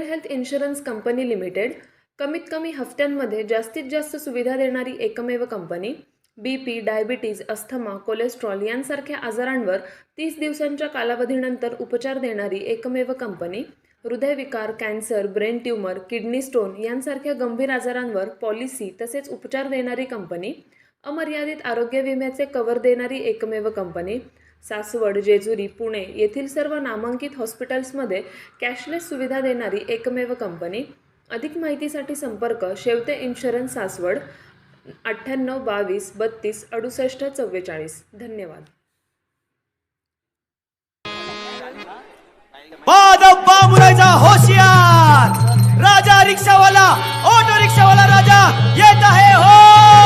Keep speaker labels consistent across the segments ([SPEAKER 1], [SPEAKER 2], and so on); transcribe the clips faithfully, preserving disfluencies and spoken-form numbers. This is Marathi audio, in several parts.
[SPEAKER 1] हेल्थ इन्शुरन्स कंपनी लिमिटेड, कमीत कमी हफ्त्यांमध्ये जास्तीत जास्त सुविधा देणारी एकमेव company. B P, diabetes, asthma, cholesterol यांसारख्या आजारांवर तीस दिवसांच्या कालावधीनंतर उपचार देणारी एकमेव कंपनी. हृदयविकार, cancer, brain tumour, kidney stone यांसारख्या गंभीर आजारांवर पॉलिसी तसेच उपचार देणारी कंपनी. अमर्यादित आरोग्य विम्याचे कव्हर देणारी एकमेव कंपनी. सासवड, जेजुरी, पुणे येथील सर्व नामांकित हॉस्पिटल्समध्ये कॅशलेस सुविधा देणारी एकमेव कंपनी. अधिक माहितीसाठी संपर्क शेवते इन्शुरन्स, सासवड, अठ्ठ्याण्णव बावीस बत्तीस अडुसष्ट चव्वेचाळीस. धन्यवाद.
[SPEAKER 2] बामुराजा होशियार, राजा रिक्षावाला, ऑटो रिक्षावाला राजा येत आहे हो.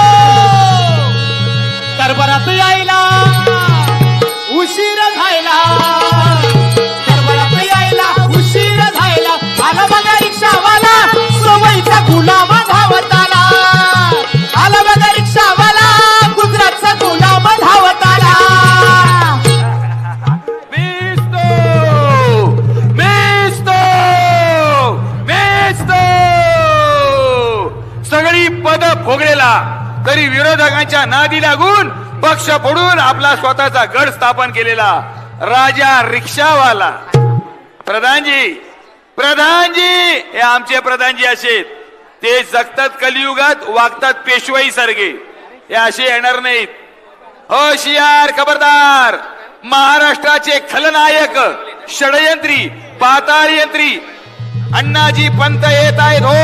[SPEAKER 2] दरबारात यायला उशीर झाला, दरबारात यायला उशीर झाला. आला बघा रिक्षावाला, सवयीचा गुलाम धावत आला. आला बघा रिक्षावाला, गुजरातचा गुलाम धावत आला.
[SPEAKER 3] सगळी पद भोगलेला तरी विरोधकांच्या नादी लागून पक्ष फोडून आपला स्वतःचा गड स्थापन केलेला राजा रिक्षावाला. प्रधानजी, प्रधानजी हे आमचे प्रधानजी असे, ते जगतात कलियुगात, वागतात पेशवाई सारखे. हे असे येणार नाहीत. होशियार, खबरदार. महाराष्ट्राचे खलनायक, षडयंत्री, पाताळ यंत्री अण्णाजी पंत येत आहेत हो.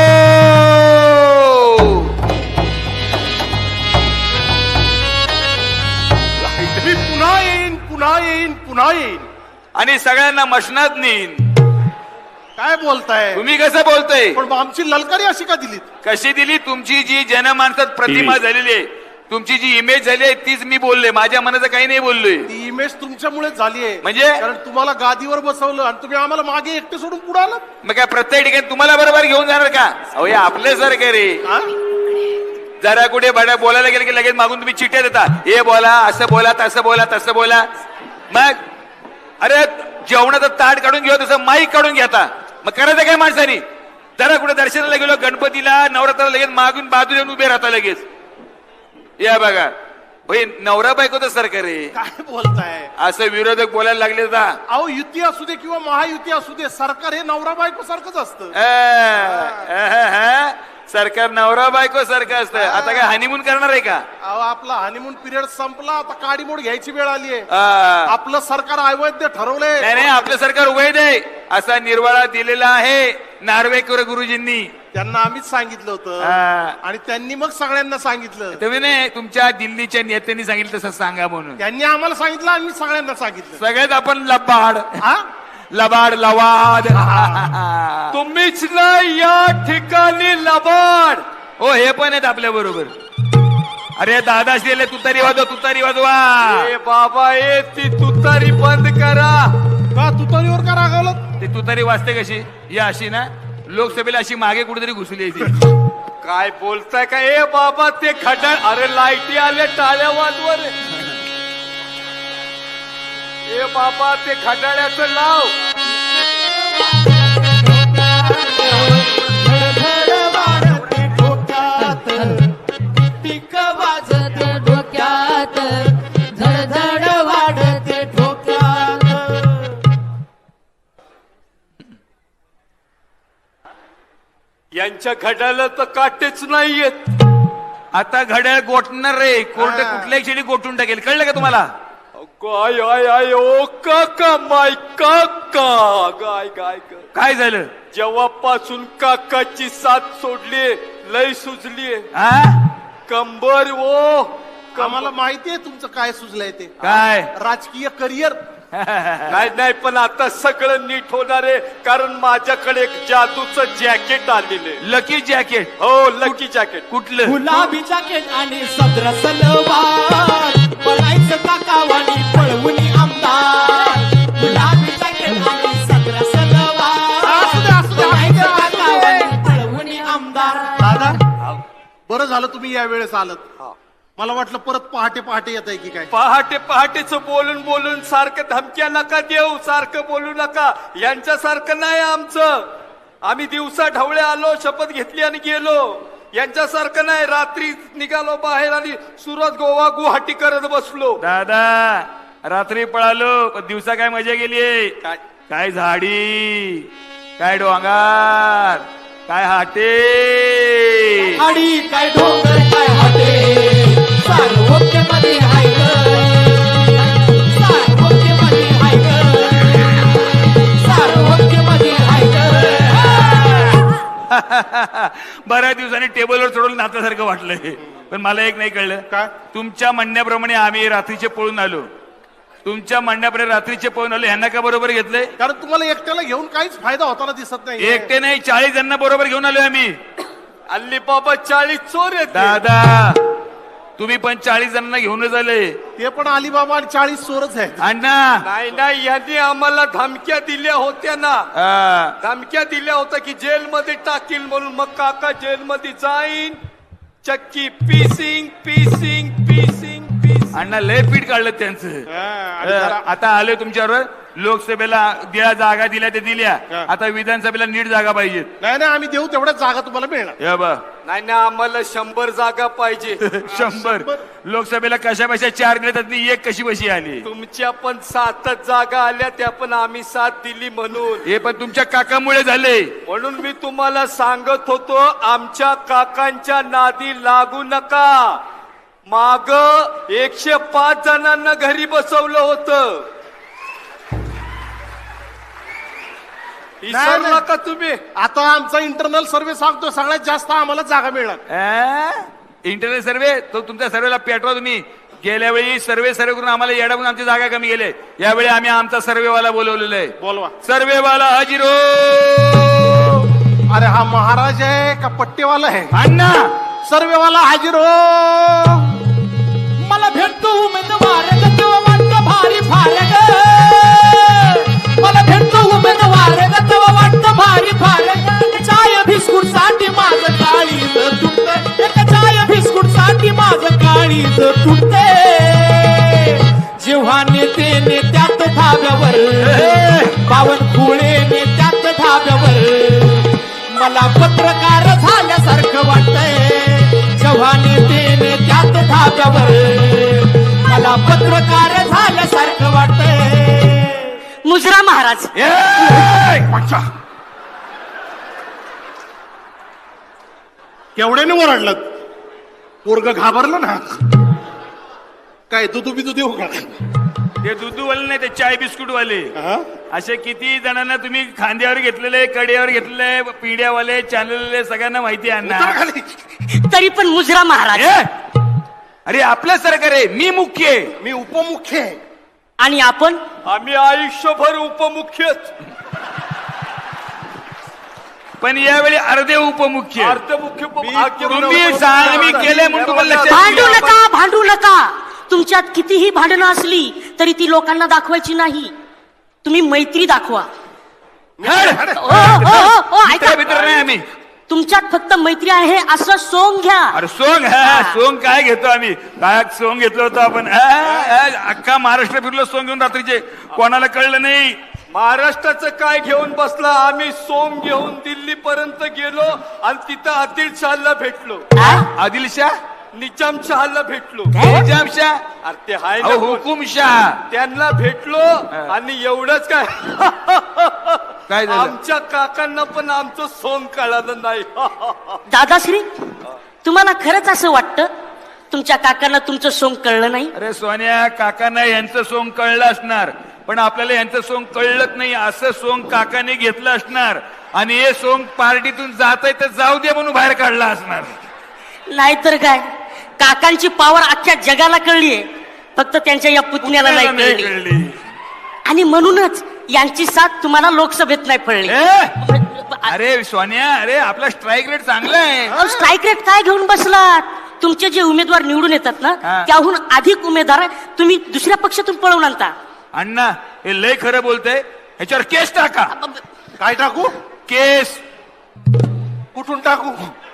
[SPEAKER 4] मी पुन्हा येईन, पुन्हा येईन, पुन्हा येईन
[SPEAKER 3] आणि सगळ्यांना मशनात नेईन.
[SPEAKER 4] काय बोलताय
[SPEAKER 3] तुम्ही कसं बोलतोय?
[SPEAKER 4] पण आमची ललकारी अशी का दिलीत?
[SPEAKER 3] कशी दिली? तुमची जी जनमानसात प्रतिमा झालेली आहे, तुमची जी इमेज झाली आहे तीच मी बोलले. माझ्या मनाचं काही नाही बोललोय.
[SPEAKER 4] ती इमेज तुमच्यामुळे झाली आहे.
[SPEAKER 3] म्हणजे?
[SPEAKER 4] कारण तुम्हाला गादीवर बसवलं आणि तुम्ही आम्हाला मागे एकटे सोडून पुढे आलात.
[SPEAKER 3] मग काय प्रत्येक ठिकाणी तुम्हाला बरोबर घेऊन जाणार का? अहो हे आपले सारखे रे. जरा कुठे बड्या बोलायला गेलं की लगेच मागून तुम्ही चिठ्ठ्या देता. हे बोला, असं बोला, तसं बोला, तसं बोला. मग अरे जेवणाचं ताट काढून घेऊ तसं माईक काढून घेता. मग करायचं काय माणसानी? जरा कुठे दर्शनाला गेलो, गणपतीला, नवरात्राला लगेच मागून बाजूला येऊन उभे राहता लगेच. या बघा भाई, नवरा बायकोचं सरकार आहे.
[SPEAKER 4] काय बोलताय?
[SPEAKER 3] असं विरोधक बोलायला लागले का?
[SPEAKER 4] अहो युती असू दे किंवा महायुती असू दे, सरकार हे नवरा बायको सारखंच असतं.
[SPEAKER 3] सरकार नवरा बायको सारखं असतं. आता काय हनीमून करणार आहे का?
[SPEAKER 4] अहो आपला हनीमून पिरियड संपला, आता काडीमोड घ्यायची वेळ आली आहे.
[SPEAKER 3] आ,
[SPEAKER 4] आपलं सरकार अवैध ठरवलंय.
[SPEAKER 3] नाही नाही, आपलं सरकार वैध आहे असा निर्वाळा दिलेला आहे नार्वेकर गुरुजींनी.
[SPEAKER 4] त्यांना आम्हीच सांगितलं होतं
[SPEAKER 3] आ,
[SPEAKER 4] आणि त्यांनी मग सगळ्यांना सांगितलं.
[SPEAKER 3] तुम्ही नाही, तुमच्या दिल्लीच्या नेत्यांनी सांगितलं तसं सांगा म्हणून.
[SPEAKER 4] त्यांनी आम्हाला सांगितलं, आम्ही सगळ्यांना सांगितलं.
[SPEAKER 3] सगळ्यात आपण लबाड,
[SPEAKER 4] हा?
[SPEAKER 3] लबाड, लवाद.
[SPEAKER 2] तुम्हीच नाही या ठिकाणी लबाड.
[SPEAKER 3] हो हे पण आहेत आपल्या बरोबर. अरे दादा शिले तुतारी वाजवा, तुतारी वाजवा.
[SPEAKER 2] ए बाबा, ए ती तुतारी बंद करा.
[SPEAKER 4] का तुतारीवर का रागावलं?
[SPEAKER 3] ते तुतारी वाजते कशी? या अशी ना, लोकसभेला अशी मागे कुठेतरी घुसली आहे ती.
[SPEAKER 2] काय बोलताय का? ए बाबा ते खटाळ, अरे लाईटी आले, टाळ्या वाजवर. ए बाबा ते खटाळ्याचं लाव.
[SPEAKER 5] टिक वाजत डोक्यात, झडझड वाढते डोक्यात.
[SPEAKER 2] यांच्या घड्याला तर काटेच नाहीयेत.
[SPEAKER 3] आता घड्याळ गोठणार रे. कोर्ट कुठल्याही क्षणी गोठून टाकेल. कळलं का तुम्हाला?
[SPEAKER 2] गाय आय आय ओ काका, माय काका. गाय गाय ग.
[SPEAKER 3] काय झालं?
[SPEAKER 2] जेव्हापासून काकाची साथ सोडली, लय सुजली.
[SPEAKER 3] हा?
[SPEAKER 2] कंबर ओ.
[SPEAKER 4] आम्हाला माहिती आहे तुमचं काय सुचलंय ते.
[SPEAKER 3] काय?
[SPEAKER 4] राजकीय करिअर.
[SPEAKER 2] नाही नाही, पण आता सगळं नीट होणार आहे, कारण माझ्याकडे एक जादूचं जॅकेट आलेलं आहे.
[SPEAKER 3] Lucky jacket?
[SPEAKER 2] हो, लकी जॅकेट.
[SPEAKER 3] कुठलं?
[SPEAKER 5] गुलाबी जॅकेट आणि सदर सलवार, पळायचं काकावाणी पळवून आमदार. गुलाबी जॅकेट आणि सदर सलवार, पळायचं काकावाणी पळवून आमदार.
[SPEAKER 4] दादा, बरं झालं तुम्ही या वेळेस आलत. मला वाटलं परत पहाटे पहाटे येत आहे की काय.
[SPEAKER 2] पहाटे पहाटेच बोलून बोलून सारखं धमक्या नका देऊ, सारखं बोलू नका. यांच्यासारखं नाही आमचं. आम्ही दिवसा ढवळे आलो, शपथ घेतली आणि गेलो. यांच्यासारखं नाही, रात्री निघालो बाहेर आणि सुरत, गोवा, गुवाहाटी करत बसलो.
[SPEAKER 3] दादा रात्री पळालो पण दिवसा काय मजा गेली.
[SPEAKER 2] काय
[SPEAKER 3] काय झाडी, काय डोंगर, काय हाटे.
[SPEAKER 5] आणि काय डोंगर काय हाटे सार्वत्य मध्ये हाय ग, सार्वत्य मध्ये हाय ग, सार्वत्य मध्ये हाय ग.
[SPEAKER 3] बऱ्याच दिवसांनी टेबलवर चढवलं नात्यासारखं वाटलंय. पण मला एक नाही कळलं,
[SPEAKER 4] काय?
[SPEAKER 3] तुमच्या म्हणण्याप्रमाणे आम्ही रात्रीचे पळून आलो. तुमच्या म्हणण्याप्रमाणे रात्रीचे पळून आलो, ह्यांना का बरोबर घेतलंय?
[SPEAKER 4] कारण तुम्हाला एकट्याला घेऊन काहीच फायदा होताना दिसत नाही.
[SPEAKER 3] एकटे नाही, चाळीस जणांना बरोबर घेऊन आलोय आम्ही.
[SPEAKER 2] अल्ली बाबा चाळीस चोर येते.
[SPEAKER 3] दादा तुम्ही पण चाळीस जणांना घेऊनच आले.
[SPEAKER 4] ते पण अलिबाबा आणि चाळीस चोरच आहेत.
[SPEAKER 3] अण्णा
[SPEAKER 2] नाही नाही, यांनी आम्हाला धमक्या दिल्या होत्या ना.
[SPEAKER 3] आ,
[SPEAKER 2] धमक्या दिल्या होत्या की जेलमध्ये टाकील म्हणून. मग काका जेलमध्ये जाईन, चक्की पीसिंग पीसिंग पीसिंग पीसिंग.
[SPEAKER 3] अण्णा लय पीठ काढलं त्यांचं.
[SPEAKER 4] हा, आणि जरा-
[SPEAKER 3] आता आले तुमच्यावर. लोकसभेला ज्या जागा दिल्या ते दिल्या,
[SPEAKER 4] हा.
[SPEAKER 3] आता विधानसभेला नीट जागा पाहिजेत.
[SPEAKER 4] नाही नाही, आम्ही देऊ तेवढ्याच जागा तुम्हाला मिळणार.
[SPEAKER 3] या बा
[SPEAKER 2] नाही ना, आम्हाला शंभर जागा पाहिजे.
[SPEAKER 3] शंभर. लोकसभेला कशा बशा चार दिल्या त्यातली एक कशी बशी आली.
[SPEAKER 2] तुमच्या पण सातच जागा आल्या, त्या पण आम्ही साथ दिली म्हणून.
[SPEAKER 3] हे पण तुमच्या काकामुळे झाले.
[SPEAKER 2] म्हणून मी तुम्हाला सांगत होतो, आमच्या काकांच्या नादी लागू नका. माग एकशे पाच जणांना घरी बसवलं होतं. विसरला
[SPEAKER 4] नाही.
[SPEAKER 2] का तुम्ही?
[SPEAKER 4] आता आमचा इंटरनल सर्व्हे सांगतो सगळ्यात जास्त आम्हाला जागा मिळणार.
[SPEAKER 3] इंटरनेट सर्वे तो तुमच्या सर्वेला पेटवा तुम्ही. गेल्या वेळी सर्वे सर्वे करून आम्हाला येडावून आमची जागा कमी गेले. यावेळी आम्ही आमचा सर्वेवाला बोलवलेला आहे.
[SPEAKER 4] बोलवा.
[SPEAKER 3] सर्वेवाला हजिरो.
[SPEAKER 4] अरे हा महाराज आहे का पट्टेवाला आहे?
[SPEAKER 3] अण्णा
[SPEAKER 4] सर्वेवाला हाजीर हो.
[SPEAKER 5] मला भेटतो उमेदवार ग, तेव्हा वाटतं भारी फार ग. मला भेटतो उमेदवार ग, तेव्हा वाटतं भारी फार ग. चाय बिस्कुट साठी माझं काळीज तुटत, एक चाय बिस्कुट साठी माझं काळीज तुटते. जेव्हा नेते नेत्यात धाब्यावर, बावनकुळे नेत्यात धाब्यावर, मला पत्रकार झाल्यासारखं वाटतंय. जेव्हा नेते नेत्यात धाब्यावर, मला पत्रकार झाल्यासारखं वाटतंय.
[SPEAKER 6] मुजरा महाराज,
[SPEAKER 4] अच्छा. केवढ्याने ओरडलं? पोरग घाबरलं ना. काय दुधू बिदू देऊ का?
[SPEAKER 3] ते दुधूवाले नाही, ते चाय बिस्कुट वाले.
[SPEAKER 4] हा?
[SPEAKER 3] असे किती जणांना तुम्ही खांद्यावर घेतलेले, कड्यावर घेतलेले, पिढ्यावाले, चाललेले, सगळ्यांना माहिती आहे
[SPEAKER 4] उतर
[SPEAKER 3] अण्णा.
[SPEAKER 4] खाली.
[SPEAKER 6] तरी पण मुजरा महाराज
[SPEAKER 3] ए! अरे आपलं सरकार आहे, मी मुख्य आहे.
[SPEAKER 4] मी उपमुख्य आहे.
[SPEAKER 6] आणि आपण
[SPEAKER 2] आम्ही आयुष्यभर उपमुख्यच.
[SPEAKER 3] पण यावेळी अर्धे उपमुख्य.
[SPEAKER 2] अर्धमुख्य
[SPEAKER 3] तुम्ही सांग, मी केलंय म्हणून तुम्हाला लक्षात
[SPEAKER 6] भांडू
[SPEAKER 3] येईल.
[SPEAKER 6] नका, भांडू नका. तुमच्यात कितीही भांडणं असली तरी ती लोकांना दाखवायची नाही. तुम्ही मैत्री दाखवा.
[SPEAKER 3] हड!
[SPEAKER 6] ओ, ओ, ओ, ओ, ऐका.
[SPEAKER 3] मित्र मित्र नाही आम्ही.
[SPEAKER 6] तुमच्यात फक्त मैत्री आहे असं सोंग घ्या.
[SPEAKER 3] अरे सोंग हा सोंग काय घेतो आम्ही? काय सोंग घेतलं होतं आपण? आ, आ, अख्खा महाराष्ट्र फिरलो सोंग घेऊन रात्रीचे, कोणाला कळलं नाही.
[SPEAKER 2] महाराष्ट्राचं काय घेऊन बसला? आम्ही सोम घेऊन दिल्ली पर्यंत गेलो आणि तिथं आदिल शहाला भेटलो.
[SPEAKER 3] आदिलशाह,
[SPEAKER 2] निजामशहाला भेटलो.
[SPEAKER 3] निजामशाह,
[SPEAKER 2] अरे ते हाय ना
[SPEAKER 3] अहो,
[SPEAKER 2] कोण?
[SPEAKER 3] हुकुमशाह.
[SPEAKER 2] त्यांना भेटलो आणि एवढंच काय,
[SPEAKER 3] काय झालं?
[SPEAKER 2] आमच्या काकांना पण आमचं सोंग कळालं नाही.
[SPEAKER 6] दादाश्री, तुम्हाला खरंच असं वाटतं तुमच्या काकांना तुमचं सोंग कळलं नाही?
[SPEAKER 3] अरे सोन्या, काकांना यांचं सोंग कळलं असणार, पण आपल्याला यांचं सोंग कळलंच नाही. असं सोंग काकाने घेतलं असणार आणि हे सोंग पार्टीतून जात आहे तर जाऊ दे म्हणून बाहेर काढला असणार.
[SPEAKER 6] नाहीतर काय, काकांची पावर अख्ख्या जगाला कळलीये, फक्त त्यांच्या या पुतण्याला नाही
[SPEAKER 3] नाही
[SPEAKER 6] कळली.
[SPEAKER 3] कळली.
[SPEAKER 6] आणि म्हणूनच यांची साथ तुम्हाला लोकसभेत नाही पडली.
[SPEAKER 3] ए! अरे सोन्या, अरे आपला स्ट्राईक रेट चांगला आहे.
[SPEAKER 6] स्ट्राईक रेट काय घेऊन बसलात? तुमचे जे उमेदवार निवडून येतात ना,
[SPEAKER 3] हा.
[SPEAKER 6] त्याहून अधिक उमेदवार तुम्ही दुसऱ्या पक्षातून पळवून आणता.
[SPEAKER 3] अण्णा हे लय खरं बोलतंय. ह्याच्यावर केस टाका.
[SPEAKER 4] काय टाकू?
[SPEAKER 3] केस.
[SPEAKER 4] कुठून टाकू?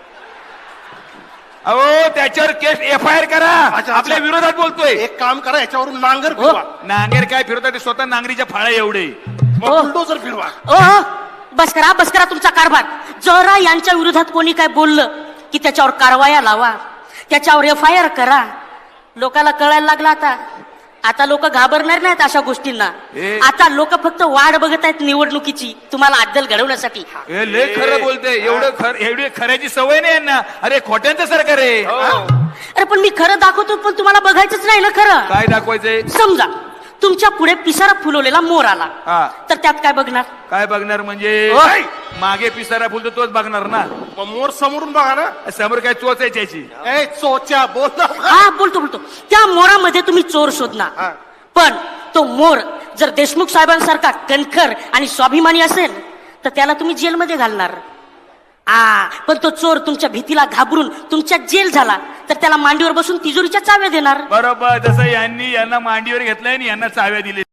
[SPEAKER 3] अहो त्याच्यावर केस एफ आय आर करा.
[SPEAKER 4] अच्छा.
[SPEAKER 3] आपल्या विरोधात बोलतोय.
[SPEAKER 4] एक काम करा, याच्यावरून नांगर
[SPEAKER 6] हो.
[SPEAKER 4] फिरवा.
[SPEAKER 3] नांगेर काय फिरवतात ते स्वतः नांगरीच्या फाळ्या एवढे.
[SPEAKER 4] मग
[SPEAKER 6] हो.
[SPEAKER 4] बुलडोजर फिरवा.
[SPEAKER 6] ओ हो, बस करा बस करा तुमचा कारभार. जरा यांच्या विरोधात कोणी काय बोललं की त्याच्यावर कारवाया लावा, त्याच्यावर एफ आय आर करा. लोकाला कळायला लागला आता. आता लोक घाबरणार नाहीत अशा गोष्टींना.
[SPEAKER 3] ए.
[SPEAKER 6] आता लोक फक्त वाढ बघत आहेत निवडणुकीची, तुम्हाला अद्दल घडवण्यासाठी.
[SPEAKER 3] हे लय खरं बोलते. एवढं खर एवढी खऱ्याची सवय नाही यांना. अरे खोट्यांचं सरकार आहे.
[SPEAKER 6] अरे पण मी खरं दाखवतो, पण तुम्हाला बघायचंच नाही ना खरं.
[SPEAKER 3] काय दाखवायचंय?
[SPEAKER 6] समजा तुमच्या पुढे पिसारा फुलवलेला मोर आला,
[SPEAKER 3] हा.
[SPEAKER 6] तर त्यात काय बघणार?
[SPEAKER 3] काय बघणार म्हणजे?
[SPEAKER 4] ओय!
[SPEAKER 3] मागे पिसारा फुलतो तोच बघणार ना.
[SPEAKER 4] मग मोर समोरून बघा ना.
[SPEAKER 3] समोर काय चोचायची याची?
[SPEAKER 4] ए चोच्या बोल ना.
[SPEAKER 6] हा बोलतो बोलतो त्या मोरामध्ये तुम्ही चोर शोधणार.
[SPEAKER 4] हा.
[SPEAKER 6] पण तो मोर जर देशमुख साहेबांसारखा कणखर आणि स्वाभिमानी असेल तर त्याला तुम्ही जेलमध्ये घालणार. आ पण तो चोर तुमच्या भीतीला घाबरून तुमच्या जेल झाला तर त्याला मांडीवर बसून तिजोरीच्या चाव्या देणार.
[SPEAKER 3] बरोबर. जसं यांनी यांना मांडीवर घेतलंय आणि यांना चाव्या दिले.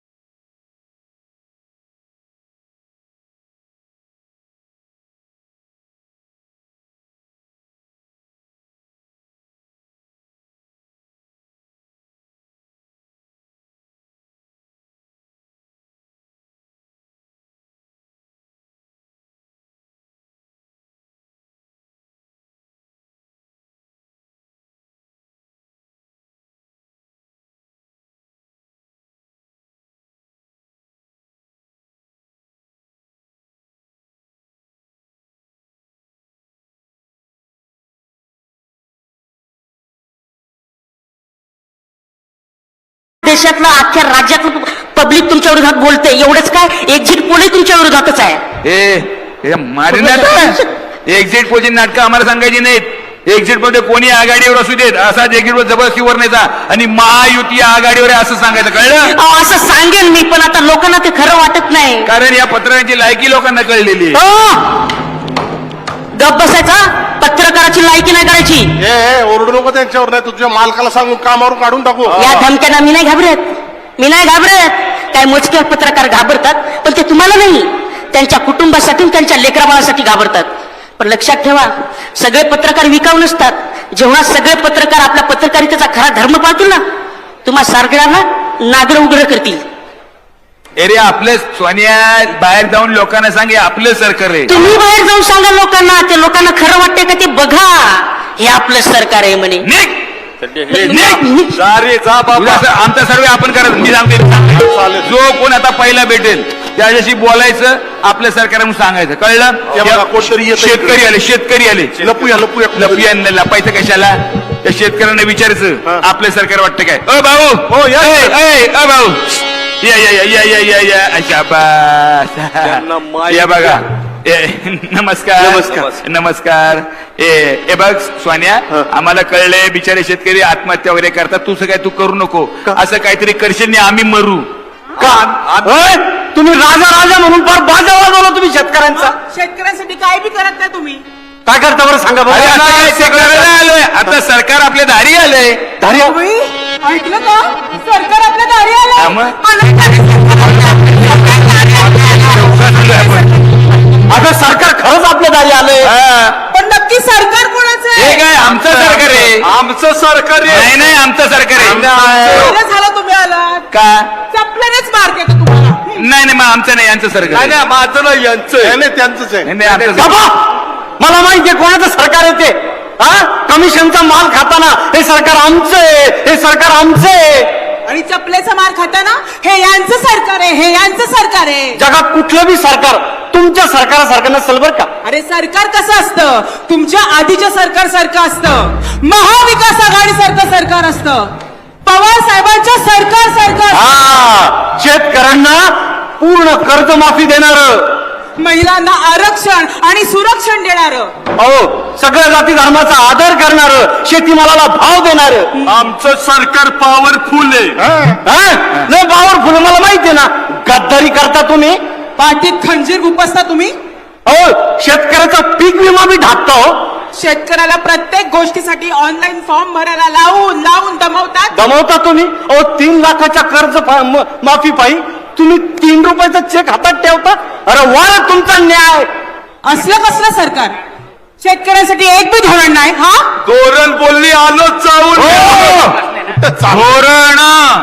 [SPEAKER 6] देशातलं अख्ख्या राज्यातलं पब्लिक तुमच्या विरोधात बोलते. एवढंच काय, एक्झिट पोलही तुमच्या विरोधातच आहे.
[SPEAKER 3] ए मारिनाट एक्झिट पोलची नाटकं आम्हाला सांगायची नाहीत. एक्झिट मध्ये कोणी आघाडीवर असू देत, असाच एक्झिट वर जबरदस्तीवर न्यायचा आणि महायुती आघाडीवर आहे असं सांगायचं. कळलं?
[SPEAKER 6] अहो, असं सांगेन मी, पण आता लोकांना ते खरं वाटत नाही.
[SPEAKER 3] कारण या पत्रकारांची लायकी लोकांना कळलेली आहे.
[SPEAKER 6] हो, गप बसायचा. पत्रकाराची लायकी नाही करायची.
[SPEAKER 4] ए ए, ओरडू नको त्यांच्यावर, नाही तुझ्या मालकाला सांगून कामावरून काढून टाकू.
[SPEAKER 6] या धमक्यांना मी नाही घाबरत, मी नाही घाबरत. काय मोजके पत्रकार घाबरतात, पण ते तुम्हाला नाही, त्यांच्या कुटुंबासाठी त्यांच्या लेकराबाळासाठी घाबरतात. पण लक्षात ठेवा, सगळे पत्रकार विकाऊ नसतात. जेव्हा सगळे पत्रकार आपल्या पत्रकारितेचा खरा धर्म पाळतील ना, तुम्हा सारगळ्यांना नागर उघड करतील.
[SPEAKER 3] अरे आपलं सोनिया बाहेर जाऊन लोकांना सांगे आपलं सरकार आहे.
[SPEAKER 6] तुम्ही बाहेर जाऊन सांगा लोकांना, ते लोकांना खरं वाटते का ते बघा, हे आपलं सरकार आहे म्हणे.
[SPEAKER 3] निघ!
[SPEAKER 6] निघ!
[SPEAKER 2] जा रे जा
[SPEAKER 3] तुला
[SPEAKER 2] बाबा.
[SPEAKER 3] असं आमचा सर्वे आपण करत. मी सांगते, जो कोण आता पहिला भेटेल त्याच्याशी बोलायचं, आपलं सरकार म्हणून सांगायचं. कळलं?
[SPEAKER 4] हे बघा, कोणतरी येतंय
[SPEAKER 3] शेतकरी
[SPEAKER 4] इकडे.
[SPEAKER 3] आले, शेतकरी आले.
[SPEAKER 4] लपूया लपूया
[SPEAKER 3] लपिया लपायचं कशाला? त्या शेतकऱ्यांना विचारायचं आपलं सरकार वाटतं काय? अ भाऊ,
[SPEAKER 4] हो, या.
[SPEAKER 3] ए, ए, अ भाऊ, या या या या या या या अच्छा
[SPEAKER 2] त्यांना
[SPEAKER 3] बस.
[SPEAKER 2] माहित
[SPEAKER 3] या बघा. ए, नमस्कार
[SPEAKER 2] नमस्कार.
[SPEAKER 3] नमस्कार. ए ए बघ सोन्या, आम्हाला कळलंय बिचारे शेतकरी आत्महत्या वगैरे करतात. तू काय तू करू नको. असं काहीतरी करशील नाही आम्ही मरू का?
[SPEAKER 5] तुम्ही राजा राजा म्हणून फार बाजा वाजवला तुम्ही शेतकऱ्यांचा.
[SPEAKER 7] शेतकऱ्यांसाठी काय बी करत नाही तुम्ही.
[SPEAKER 5] काय करता बरं सांगा
[SPEAKER 3] अरे
[SPEAKER 5] बरं.
[SPEAKER 3] आता काय शेतकऱ्याला आलोय, आता सरकार आपल्या दारी आलंय.
[SPEAKER 5] धारी आहे.
[SPEAKER 7] तुम्ही ऐकलं का? सरकार आपल्या दारी
[SPEAKER 3] हा
[SPEAKER 7] आलं.
[SPEAKER 3] मग?
[SPEAKER 5] आता सरकार खरंच आपल्या दारी आलंय.
[SPEAKER 3] हा.
[SPEAKER 7] पण नक्की सरकार कोणाचं
[SPEAKER 3] हे
[SPEAKER 7] आहे?
[SPEAKER 3] काय आमचं सरकार आहे?
[SPEAKER 2] आमचं सरकार आहे.
[SPEAKER 3] नाही नाही आमचं सरकार आहे.
[SPEAKER 7] बरं झालं तुम्ही आलात.
[SPEAKER 3] का?
[SPEAKER 7] चपल्यानेच मार देतो तुम्हाला.
[SPEAKER 3] नाही नाही मग आमचं नाही, यांचं सरकार
[SPEAKER 2] नाही
[SPEAKER 3] आहे.
[SPEAKER 2] नाही माझं नाही यांचं आहे.
[SPEAKER 4] नाही नाही, त्यांचंच आहे.
[SPEAKER 3] नाही, नाही, आमचं सरकार.
[SPEAKER 5] बाबा, मला माहितीये कोणाचं सरकार आहे ते. हा, कमिशनचा माल खाताना हे सरकार आमचं आहे, हे सरकार आमचं आहे.
[SPEAKER 7] आणि चपलेचा मार खाताना हे यांचं सरकार आहे, हे यांचं सरकार आहे.
[SPEAKER 5] जगात कुठलं बी सरकार तुमच्या सरकारासारखं नसेल बरं का.
[SPEAKER 7] अरे सरकार कसं असतं? तुमच्या आधीच्या सरकार सारखं असतं. महाविकास आघाडी सारखं सरकार असतं. पवार साहेबांच्या सरकार सारखं.
[SPEAKER 5] हा, शेतकऱ्यांना पूर्ण कर्जमाफी देणार,
[SPEAKER 7] महिलांना आरक्षण आणि सुरक्षण देणार.
[SPEAKER 5] अहो सगळ्या जाती धर्माचा आदर करणार, शेतीमालाला भाव देणार.
[SPEAKER 2] आमचं सरकार पॉवरफुल आहे.
[SPEAKER 5] लय पॉवरफुल, मला माहितीये ना. गद्दारी करता तुम्ही.
[SPEAKER 7] पाठीत खंजीर गुपसता तुम्ही.
[SPEAKER 5] अहो शेतकऱ्याचा पीक विमा बी ढाकता. हो,
[SPEAKER 7] शेतकऱ्याला प्रत्येक गोष्टीसाठी ऑनलाईन फॉर्म भरायला लावून लावून दमवतात.
[SPEAKER 5] दमवता तुम्ही. अहो तीन लाखाच्या कर्ज फा- म- माफी पायी तुम्ही तीन रुपयाचा चेक हातात ठेवता. अरे वा, तुमचा न्याय.
[SPEAKER 7] असलं कसलं सरकार? शेतकऱ्यांसाठी एक बी धोरण नाही. हा,
[SPEAKER 2] धोरण बोलली आलो चावून.
[SPEAKER 3] धोरण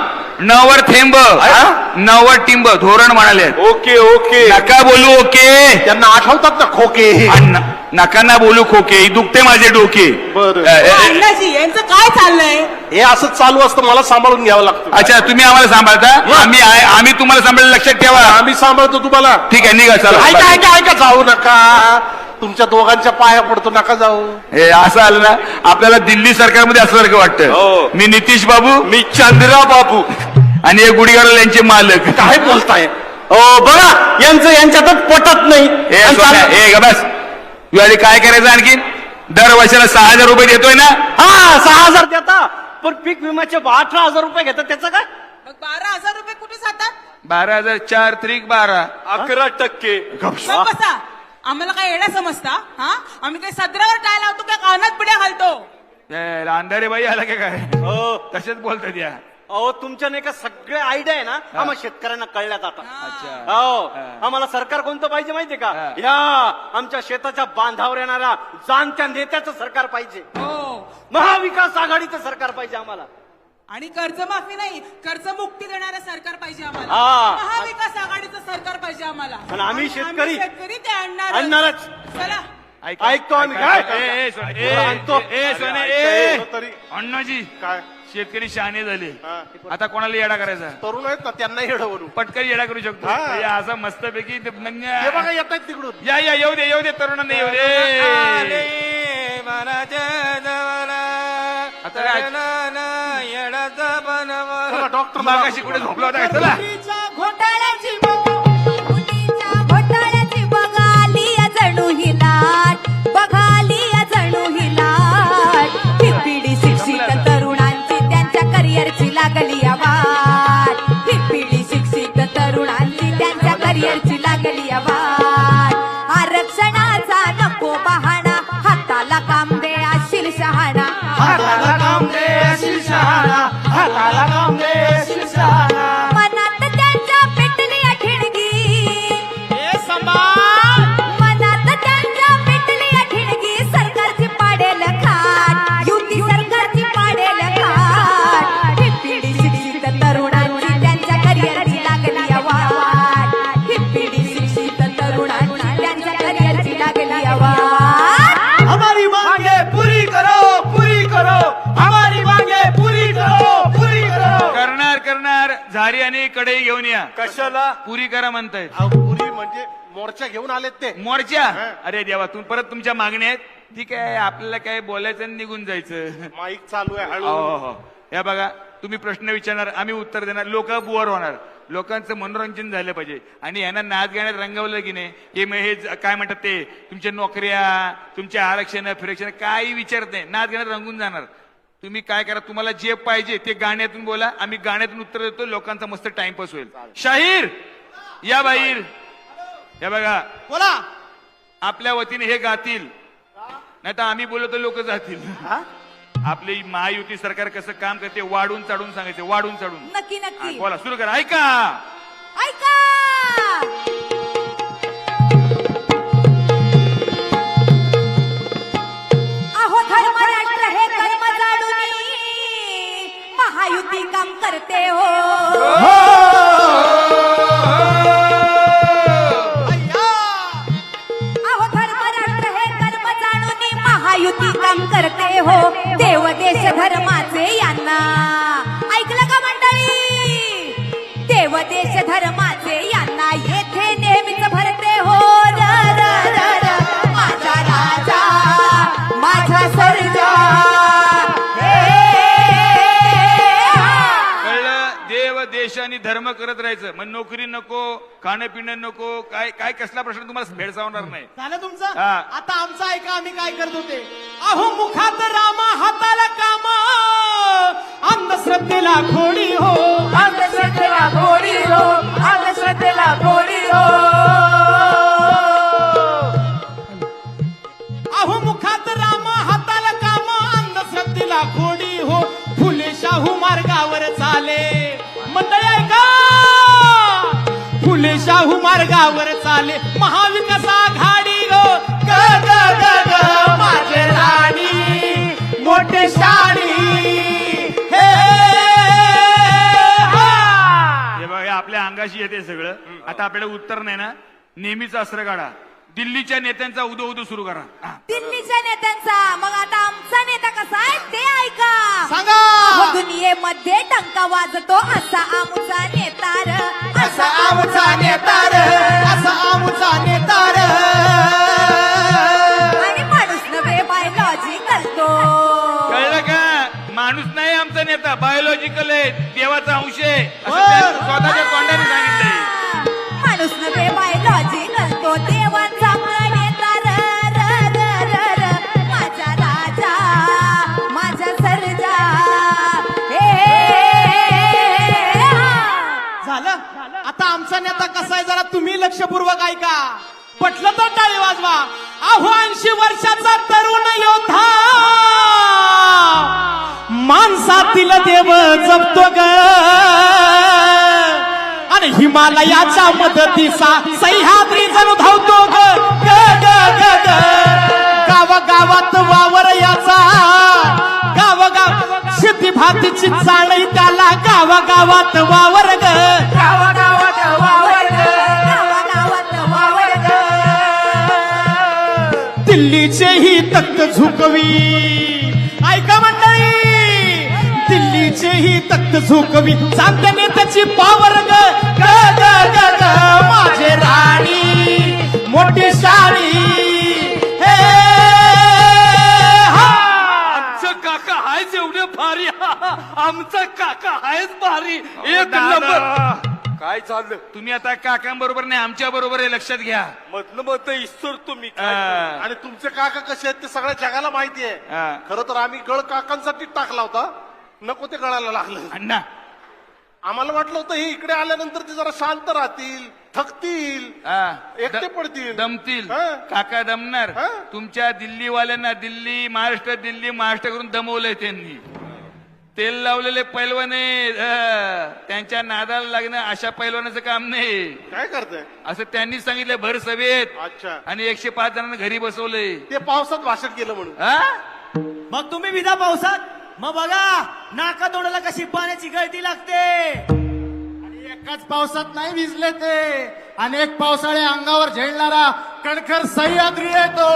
[SPEAKER 3] नवर थेंब नवर टिंब धोरण म्हणाले.
[SPEAKER 2] ओके ओके
[SPEAKER 3] नका बोलू ओके.
[SPEAKER 4] त्यांना आठवतात ना खोके.
[SPEAKER 3] आणि न- नका ना बोलू खोके, दुखते माझे डोके.
[SPEAKER 4] बरं.
[SPEAKER 3] अ, अ, अ,
[SPEAKER 7] अण्णाजी यांचं काय चाललंय?
[SPEAKER 4] हे असंच चालू असतं, मला सांभाळून घ्यावं लागतं.
[SPEAKER 3] अच्छा तुम्ही आम्हाला सांभाळता, आम्ही आहे- आम्ही तुम्हाला सांभाळलं, लक्षात ठेवा.
[SPEAKER 4] आम्ही सांभाळतो तुम्हाला.
[SPEAKER 3] ठीक आहे निघा
[SPEAKER 4] ऐका
[SPEAKER 3] चला.
[SPEAKER 4] ऐका ऐका जाऊ नका, तुमच्या दोघांच्या पाया पडतो, नका जाऊ.
[SPEAKER 3] हे असं आलं ना आपल्याला दिल्ली सरकारमध्ये असल्यासारखं
[SPEAKER 2] हो.
[SPEAKER 3] वाटतं. मी नितीश बाबू
[SPEAKER 2] मी चंद्रा बाबू
[SPEAKER 3] आणि हे गुढीगाडल यांचे मालक.
[SPEAKER 4] काय बोलताय?
[SPEAKER 2] हो बघा यांचं यांच्यातच पटत नाही.
[SPEAKER 3] हे सोन्या, हे ग बस तू आधी काय करायचं आणखीन. दर वर्षाला सहा हजार रुपये देतोय ना.
[SPEAKER 2] हा सहा हजार देता, पण पीक विम्याचे अठरा हजार रुपये घेतात, त्याचं काय?
[SPEAKER 7] मग बारा हजार रुपये कुठे जातात?
[SPEAKER 3] बारा हजार चार त्रिक बारा.
[SPEAKER 2] अकरा टक्के.
[SPEAKER 7] मग बसा, आम्हाला काय येणं समजता? हा आम्ही काही सदरावर टाय लावतो काय कानात पिढ्या घालतो?
[SPEAKER 3] ए, अंधारे बाई आला का काय
[SPEAKER 2] हो
[SPEAKER 3] तसेच बोलतात या.
[SPEAKER 2] अहो तुमच्या नाही का सगळे आयडिया आहे ना आम्हाला शेतकऱ्यांना कळल्यात आता.
[SPEAKER 3] अच्छा
[SPEAKER 2] हो आम्हाला सरकार कोणतं पाहिजे माहितीये का?
[SPEAKER 3] हा.
[SPEAKER 2] या आमच्या शेताच्या बांधावर येणाऱ्या जाणत्या नेत्याचं सरकार पाहिजे.
[SPEAKER 7] हो.
[SPEAKER 2] महाविकास आघाडीचं सरकार पाहिजे आम्हाला.
[SPEAKER 7] आणि कर्जमाफी नाही, कर्जमुक्ती देणारं सरकार पाहिजे आम्हाला.
[SPEAKER 2] हा.
[SPEAKER 7] महाविकास आघाडीचं सरकार पाहिजे आम्हाला.
[SPEAKER 2] पण आम्ही शेतकरी-
[SPEAKER 7] शेतकरी ते आणणार
[SPEAKER 2] आणणारच.
[SPEAKER 7] चला.
[SPEAKER 3] ऐक-
[SPEAKER 2] ऐकतो आम्ही.
[SPEAKER 3] ऐक-
[SPEAKER 2] काय?
[SPEAKER 3] ए, ए, सोने, ए,
[SPEAKER 2] आणतो.
[SPEAKER 3] ए, ए, सोने,
[SPEAKER 4] अरे,
[SPEAKER 3] ए.
[SPEAKER 4] ऐकतो तरी.
[SPEAKER 3] अण्णाजी
[SPEAKER 4] काय
[SPEAKER 3] शेतकरी शहाणे झाले,
[SPEAKER 4] हा.
[SPEAKER 3] आता कोणाला येडा करायचा.
[SPEAKER 4] तरुण आहेत ना, त्यांना येडवरून.
[SPEAKER 3] पटकन येडा करू शकतो.
[SPEAKER 4] हा.
[SPEAKER 3] हे असं मस्तपैकी ते नंग-
[SPEAKER 4] हे बघा येत आहेत तिकडून.
[SPEAKER 3] या या येऊ दे येऊ दे तरुणांना येऊ दे. आता काय?
[SPEAKER 4] चला, डॉक्टर
[SPEAKER 3] मागाशी कुठे झोपला होता काय? चला
[SPEAKER 7] घोटाळ्याची
[SPEAKER 8] मुलीच्या घोटाळ्याची बघाली जणू ही लाट, बघाली जणू ही लाट. ही पिढी शिक्षित तरुणांची त्यांच्या करिअरची लागली वाट. ही पिढी शिक्षित तरुणांची त्यांच्या करिअरची लागली वाट. आरक्षणाचा नको बहाणा, हाताला काम दे अशील शहाणा. मनात त्यांच्या पेटली ठिणगी, मनात त्यांच्या पेटली ठिणगी. सरकारची पाडेल खाट, युती सरकारची पाडेल खाट. ही पिढी शिक्षित तरुणांची त्यांच्या करिअरची लागली वाट. ही पिढी शिक्षित तरुणांची त्यांच्या करिअरची लागली वाट.
[SPEAKER 5] हमारी मांगे पूरी करो, पूरी करो, हमारी मांगे पूरी करो, पूरी करो.
[SPEAKER 3] करणार करणार झारी आणि कढई घेऊन या.
[SPEAKER 2] कशाला?
[SPEAKER 3] पुरी करा म्हणतायत.
[SPEAKER 4] अहो, पुरी म्हणजे मोर्चा घेऊन आलेत ते.
[SPEAKER 3] मोर्चा. अरे देवा तुम्ही परत तुमच्या मागण्या आहेत. ठीक आहे आपल्याला काय बोलायचं आणि निघून जायचं.
[SPEAKER 4] माईक चालू आहे
[SPEAKER 3] हो
[SPEAKER 4] हळू.
[SPEAKER 3] हो या बघा तुम्ही प्रश्न विचारणार आम्ही उत्तर देणार, लोक बुवर होणार. लोकांचं मनोरंजन झालं पाहिजे आणि यांना नाच गाण्यात रंगवलं की नाही हे मग हे ज- काय म्हणतात ते तुमच्या नोकऱ्या तुमच्या आरक्षण फिरक्षण काही विचारत नाही, नाच गाण्यात रंगून जाणार. तुम्ही काय करा, तुम्हाला जे पाहिजे ते गाण्यातून बोला, आम्ही गाण्यातून उत्तर देतो, लोकांचा मस्त टाइमपास होईल. शाहीर या बाहेर या बघा
[SPEAKER 5] बोला.
[SPEAKER 3] आपल्या वतीने हे गातील, नाही तर आम्ही बोललो तर लोक जातील. आपली महायुती सरकार कसं काम करते वाढून चढून सांगायचे, वाढून चढून.
[SPEAKER 8] नक्की
[SPEAKER 3] हा,
[SPEAKER 8] नक्की
[SPEAKER 3] बोला सुरू करा. ऐका
[SPEAKER 8] ऐका. अहो धर्म राष्ट्र हे कर्म जाणून महायुती काम करते हो. अहो धर्म राष्ट्र हे कर्म जाणून महायुती काम करते हो. देव देश धर्माचे यांना ऐकलं का मंडळी? देव देश धर्माचे यांना येथे नेहमीच भरते हो. र र र र माझा राजा माझा सर्जा.
[SPEAKER 3] कळलं? देव देश आणि धर्म करत राहायचं. मग नोकरी नको, खाणं पिणं नको, काय काय कसला प्रश्न तुम्हाला भेडसावणार नाही.
[SPEAKER 5] झालं तुमचं?
[SPEAKER 3] हा.
[SPEAKER 5] आता आमचं ऐका, आम्ही काय करत होते. अहो मुखात रामा हाताला काम, अंधश्रद्धेला खोडी हो, अंधश्रद्धेला खोडी हो, अंधश्रद्धेला खोडी हो. अहो मुखात रामा हाताला काम, अंधश्रद्धेला खोडी हो. फुले शाहू मार्गावर चाले, मंडळी ऐका. फुले शाहू मार्गावर चाले, महाविकास आघाडी हो. ग ग ग ग माझे राणी मोठे शाणी. हे हा.
[SPEAKER 3] मगाशी येते सगळं. आता आपल्याला उत्तर नाही ना, नेहमीच अस्त्र काढा. दिल्लीच्या नेत्यांचा उदो उदो सुरू करा. हा.
[SPEAKER 8] दिल्लीच्या नेत्यांचा. मग आता आमचा नेता कसा आहे ते ऐका.
[SPEAKER 5] सांगा.
[SPEAKER 8] अहो, दुनियेमध्ये टंका वाजतो असा आमचा नेता र.
[SPEAKER 5] असा आमचा नेता र, असा आमचा नेता र.
[SPEAKER 8] आणि माणूस नव्हे बायोलॉजिकल तो.
[SPEAKER 3] कळलं का? माणूस नाही आमचा नेता, बायोलॉजिकल आहे, देवाचा अंश आहे असं त्यांनी स्वतःच्या तोंडाने सांगितलंय.
[SPEAKER 8] माणूस नव्हे बायोलॉजिकल तो. देवाचा नेता र, र, र, र, र. माझा राजा, माझा सर्जा. हे, हा.
[SPEAKER 5] झालं. आता आमचा नेता कसा आहे जरा तुम्ही लक्षपूर्वक ऐका. पटलं तर टाळी वाजवा. अहो ऐंशी वर्षाचा तरुण योद्धा, माणसातील देव जपतो ग. आणि हिमालयाच्या मदतीचा सह्याद्री जणू धावतो ग. ग, ग, ग, ग. गावागावात वावर याचा, गावगाव शेती भातीची चाळी त्याला, गावागावात वावर ग. गावागावात वावर ग.
[SPEAKER 8] गावागावात वावर ग.
[SPEAKER 5] दिल्लीचेही तख्त झुकवी. ऐका मंडळी, दिल्लीचेही तख्त झुकवी. चांगल्या नेत्याची पावर ग. ग, ग, ग, ग. माझे राणी मोठी शाणी. हे, हा.
[SPEAKER 2] आमचं काका आहेच एवढे भारी. आमचा काका आहेच भारी. एक
[SPEAKER 3] दादा,
[SPEAKER 2] नंबर. काय झालं?
[SPEAKER 3] तुम्ही आता काकांबरोबर नाही, आमच्या बरोबर आहे, लक्षात घ्या.
[SPEAKER 2] मधलं मत ईश्वर तुम्ही काय?
[SPEAKER 3] हा.
[SPEAKER 4] आणि तुमचे काका कसे आहेत ते सगळ्या जगाला माहिती आहे.
[SPEAKER 3] हा.
[SPEAKER 4] खरं तर आम्ही गळ काकांसाठी टाकला होता, नको ते गळायला लागलं.
[SPEAKER 3] अण्णा,
[SPEAKER 4] आम्हाला वाटलं होतं हे इकडे आल्यानंतर ते जरा शांत राहतील, थकतील,
[SPEAKER 3] हा.
[SPEAKER 4] एकटे
[SPEAKER 3] द-
[SPEAKER 4] पडतील,
[SPEAKER 3] दमतील.
[SPEAKER 4] हा.
[SPEAKER 3] काका दमणार.
[SPEAKER 4] हा.
[SPEAKER 3] तुमच्या दिल्लीवाल्यांना दिल्ली महाराष्ट्र दिल्ली महाराष्ट्र करून दमवलंय त्यांनी. तेल लावलेले पैलवाने त्यांच्या नादाला लागणं अशा पैलवानाचं काम नाही.
[SPEAKER 4] काय करताय?
[SPEAKER 3] असं त्यांनी सांगितलं भर सभेत.
[SPEAKER 4] अच्छा,
[SPEAKER 3] आणि एकशे पाच जणांना घरी बसवलंय.
[SPEAKER 4] ते पावसात भाषण केलं म्हणून.
[SPEAKER 3] हा?
[SPEAKER 5] मग तुम्ही विधा पावसात, मग बघा नाका तोंडाला कशी पाण्याची गळती लागते. आणि एकाच पावसात नाही भिजले ते, अनेक पावसाळे अंगावर झेलणारा कणखर सह्याद्री येतो.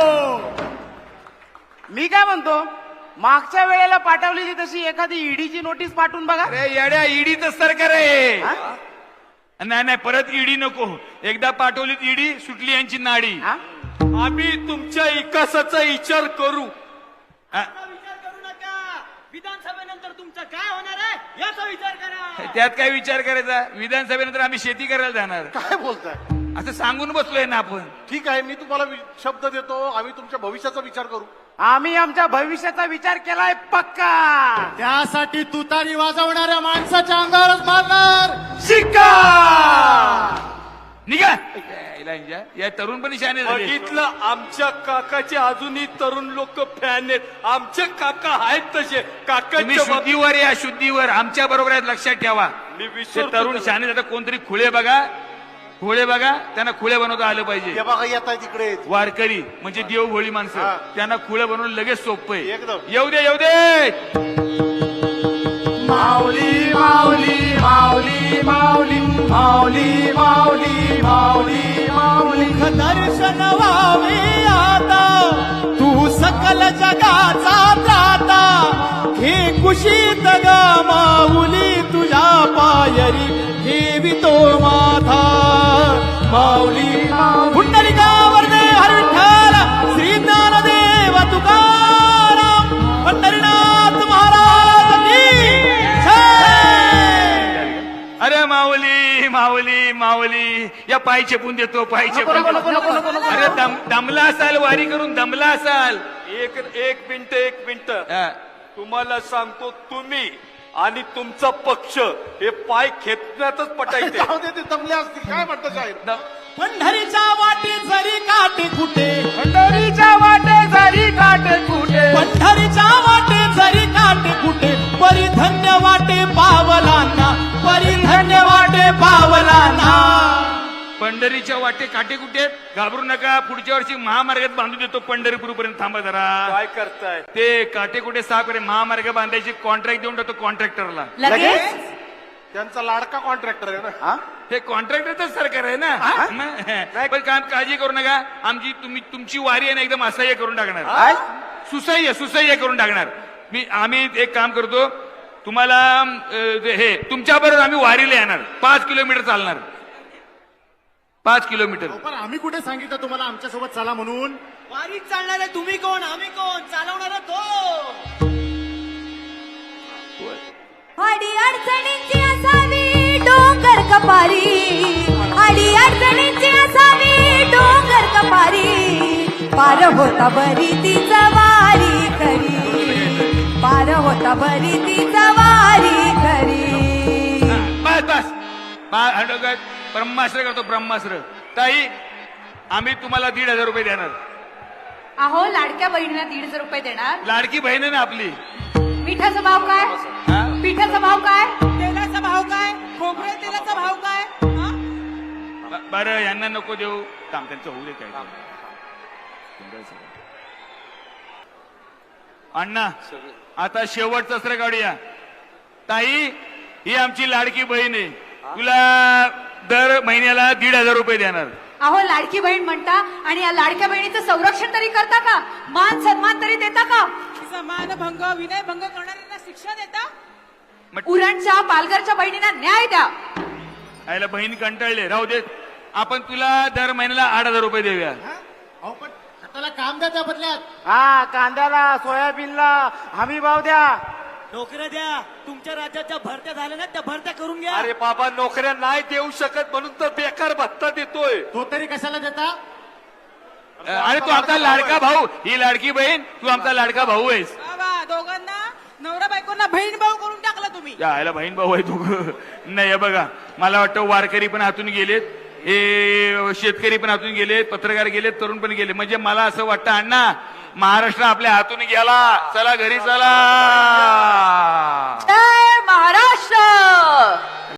[SPEAKER 9] मी काय म्हणतो, मागच्या वेळेला पाठवलेली तशी एखादी ईडीची नोटीस पाठवून बघा.
[SPEAKER 3] अरे येड्या, ईडीच सरकार आहे. नाही नाही, परत ईडी नको. एकदा पाठवली ईडी, सुटली यांची नाडी.
[SPEAKER 9] हा?
[SPEAKER 2] आम्ही तुमच्या विकासाचा विचार करू.
[SPEAKER 3] हा?
[SPEAKER 5] विचार करू नका. विधानसभेनंतर तुमचं काय होणार आहे याचा विचार करा.
[SPEAKER 3] त्यात काय विचार करायचा? विधानसभेनंतर आम्ही शेती करायला जाणार
[SPEAKER 4] काय बोलताय?
[SPEAKER 3] असं सांगून बसलोय ना आपण.
[SPEAKER 4] ठीक आहे, मी तुम्हाला वि- शब्द देतो, आम्ही तुमच्या भविष्याचा विचार करू.
[SPEAKER 9] आम्ही आमच्या भविष्याचा विचार केलाय पक्का.
[SPEAKER 5] त्यासाठी तुतारी वाजवणाऱ्या माणसाच्या अंगावरच मारणार.
[SPEAKER 3] शिक्का निघा. यायला इंजा. या तरुण पण शाने झाले.
[SPEAKER 2] बघितलं, आमच्या काकाचे अजूनही तरुण लोक फॅन आहेत. आमचे काका आहेत तसे.
[SPEAKER 3] तुम्ही
[SPEAKER 2] काकांच्या बाब-
[SPEAKER 3] शुद्धीवर या, शुद्धीवर आमच्या बरोबर आहेत, लक्षात ठेवा.
[SPEAKER 2] मी
[SPEAKER 3] ते
[SPEAKER 2] विसरतो
[SPEAKER 3] तरुण
[SPEAKER 2] त्याला.
[SPEAKER 3] शाने आता कोणतरी खुळे बघा, खुळे बघा, त्यांना खुळे बनवता आलं पाहिजे.
[SPEAKER 4] हे बघा येत आहे तिकडे.
[SPEAKER 3] वारकरी म्हणजे देवभोळी
[SPEAKER 4] हा.
[SPEAKER 3] माणसं, त्यांना खुळे बनवून लगेच सोपं आहे.
[SPEAKER 4] एकदम.
[SPEAKER 3] येऊ दे, येऊ दे.
[SPEAKER 5] माऊली माऊली माऊली माऊली माऊली माऊली माऊली माऊली दर्शन व्हावे आता, तू सकल जगाचा त्राता. हे कुशीत ग माऊली तुझ्या पायरी ठेवितो माथा. माऊली पुंडलिकावर दे हर विठ्ठल, श्री ज्ञानदेव तुकाराम, पंढरीनाथ महाराज की जय.
[SPEAKER 3] अरे माऊली माऊली माऊली, या पाय चेपून देतो, पाय चेपून देतो. अरे दम दमला असाल, वारी करून दमला असाल.
[SPEAKER 2] एक एक मिनिट एक मिनिट
[SPEAKER 3] हा.
[SPEAKER 2] तुम्हाला सांगतो, तुम्ही आणि तुमचा पक्ष हे पाय खेचण्यातच पटायचे.
[SPEAKER 4] जाऊ दे, ते दमले असतील. काय म्हणतो शाहीर?
[SPEAKER 5] पंढरीच्या वाटे जरी काटे कुठे,
[SPEAKER 9] पंढरीच्या वाटे जरी काटे कुठे,
[SPEAKER 5] पंढरीच्या वाटे जरी काटे कुठे, परिधन्य वाटे पावलांना, परिधन्य वाटे पावलांना.
[SPEAKER 3] पंढरीच्या वाटे काटे कुठे आहेत? घाबरू नका, पुढच्या वर्षी महामार्गात बांधून देतो. पंढरपूर पर्यंत थांबा जरा.
[SPEAKER 2] काय करताय?
[SPEAKER 3] ते काटे कुठे साफ करे महामार्ग बांधायची कॉन्ट्रॅक्ट देऊन टाकतो कॉन्ट्रॅक्टरला.
[SPEAKER 8] लगेच
[SPEAKER 4] त्यांचा लाडका कॉन्ट्रॅक्टर आहे ना.
[SPEAKER 3] हे कॉन्ट्रॅक्टरच सरकार आहे ना मग. पण काम काळजी करू नका, आमची तुम्ही तुमची वारी आहे ना एकदम असह्य करून टाकणार, सुसह्य सुसह्य करून टाकणार. मी आम्ही एक काम करतो, तुम्हाला अं, ते हे तुमच्या बरोबर आम्ही वारीला येणार, पाच किलोमीटर चालणार, पाच किलोमीटर.
[SPEAKER 4] पण आम्ही कुठे सांगितलं तुम्हाला आमच्या सोबत चला म्हणून?
[SPEAKER 5] वारीत चालणारे तुम्ही कोण, आम्ही कोण, चालवणारा तो.
[SPEAKER 8] अडी अडचणींची असावी डोंगर कपारी, अडी अडचणींची असावी डोंगर कपारी, पार होता बरी ती वारी खरी, पार होता बरी ती वारी खरी.
[SPEAKER 3] बस बस बा- ब्रह्मास्त्र करतो ब्रह्मास्त्र. ताई आम्ही तुम्हाला दीड हजार रुपये देणार.
[SPEAKER 8] अहो लाडक्या बहिणीला दीड हजार रुपये देणार.
[SPEAKER 3] लाडकी बहीण आहे ना आपली.
[SPEAKER 8] मिठाचा भाव काय,
[SPEAKER 3] हा?
[SPEAKER 8] पिठाचा भाव काय,
[SPEAKER 7] तेलाचा भाव काय, खोबऱ्या तेलाचा भाव काय, हा?
[SPEAKER 3] ब- बरं यांना नको देऊ, काम त्यांचं होऊ दे. काय अण्णा आता शेवटचं अस्त्र काढूया. ताई ही आमची लाडकी बहीण आहे, तुला दर महिन्याला दीड हजार रुपये देणार.
[SPEAKER 8] अहो लाडकी बहीण म्हणता आणि या लाडक्या बहिणीचं संरक्षण तरी करता का, मान सन्मान तरी देता का,
[SPEAKER 7] समानभंग विनयभंग करणाऱ्यांना शिक्षा देता.
[SPEAKER 8] उरणच्या पालघरच्या बहिणींना न्याय द्या.
[SPEAKER 3] यायला बहीण कंटाळले, राहू देत. आपण तुला दर महिन्याला आठ हजार रुपये देऊया.
[SPEAKER 4] अहो पण त्याला काम द्या त्या बदल्यात.
[SPEAKER 9] हा कांद्याला सोयाबीनला हमी भाव द्या.
[SPEAKER 5] नोकऱ्या द्या, तुमच्या राज्याच्या भरत्या झाल्या ना त्या भरत्या करून घ्या.
[SPEAKER 2] अरे बाबा नोकऱ्या नाही देऊ शकत म्हणून तर बेकार भत्ता देतोय.
[SPEAKER 4] तो तरी कशाला देता?
[SPEAKER 3] अरे तू आमचा लाडका भाऊ, ही लाडकी बहीण, तू आमचा लाडका भाऊ आहेस.
[SPEAKER 7] बाबा दोघांना नवरा बायकोंना बहीण भाऊ करून टाकला तुम्ही.
[SPEAKER 3] यायला बहीण भाऊ आहे तू. नाही हे बघा, मला वाटतं वारकरी पण हातून गेलेत, हे शेतकरी पण हातून गेलेत, पत्रकार गेलेत, तरुण पण गेले. म्हणजे मला असं वाटतं अण्णा महाराष्ट्र आपल्या हातून गेला, चला घरी चला.